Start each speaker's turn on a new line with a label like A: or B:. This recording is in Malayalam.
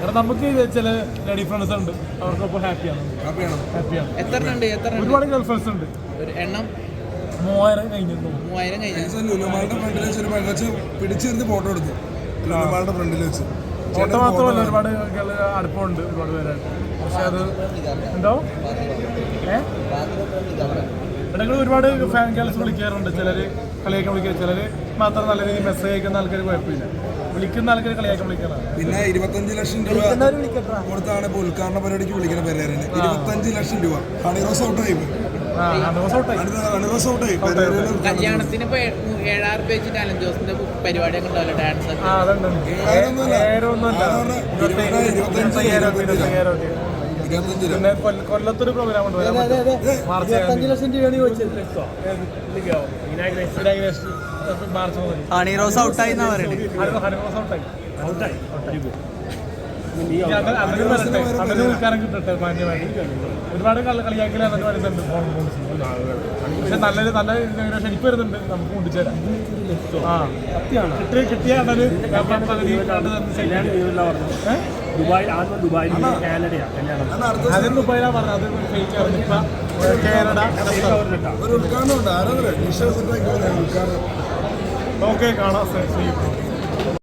A: കാരണം നമുക്ക് ചില ലേഡി ഫ്രണ്ട്സ് ഉണ്ട്, അവർക്കൊപ്പം ഹാപ്പിയാണ്. ഒരുപാട് ഗേൾ ഫ്രണ്ട്സ് ഉണ്ട്.
B: എണ്ണം
A: 3000 കഴിഞ്ഞു.
C: പിടിച്ചിരുന്ന് ഫോട്ടോ എടുത്തു ഫ്രണ്ടിൽ വെച്ച്.
A: ഫോട്ടോ മാത്രമല്ല, ഒരുപാട് അടുപ്പമുണ്ട് ഒരുപാട് പേരായിട്ട്. പക്ഷെ അത് എന്തോ ഇടങ്ങളിൽ ഒരുപാട് ഫാൻ ഗേൾസ് വിളിക്കാറുണ്ട്. ചിലർ കളിയാക്കാൻ വിളിക്കുക, ചിലർ മാത്രം നല്ല രീതിയിൽ മെസ്സേജ് അയക്കുന്ന ആൾക്കാർ കുഴപ്പമില്ല. വിളിക്കുന്ന ആൾക്കാർ കളിയാക്കാൻ വിളിക്കാറാണ്.
C: പിന്നെ 25 ലക്ഷം രൂപ കൊടുത്താണ് ഇപ്പോൾ ഉദ്ഘാടന പരിപാടിക്ക് വിളിക്കുന്ന പെരേരന്. 25 ലക്ഷം രൂപ. ഹണിറോസ് ഔട്ടായി.
B: കല്യാണത്തിന് 7,000 രൂപ വെച്ചിട്ട് അലൻ ജോസിന്റെ പരിപാടിയൊക്കെ ഉണ്ടാവില്ല, ഡാൻസ്.
A: പിന്നെ കൊല്ലത്തൊരു പ്രോഗ്രാം ഉണ്ട്, മാർച്ച് 25 ലക്ഷം രൂപയാണ് ചോദിച്ചത്. മാർച്ച് മുതൽ
B: ഹണിറോസ് ഔട്ടായി എന്നാ പറയുന്നത്.
A: ഹണിറോസ് ഔട്ടായി. അങ്ങനെ വിൽക്കാനും കിട്ടട്ടെ മാന്യമായിട്ട്. ഒരുപാട് കളിയാക്കൽ അതിന് വരുന്നുണ്ട്. പക്ഷെ നല്ല ഇനോഗ്രേഷൻ എനിക്ക് വരുന്നുണ്ട്, നമുക്ക് കൊണ്ടുചേരാം. കിട്ടിയ ആദ്യം ദുബായിലാണ് പറഞ്ഞത്, അത് ഫേക്കായിരുന്നു. ഇപ്പം കാനഡ. ഓക്കെ, കാണാം.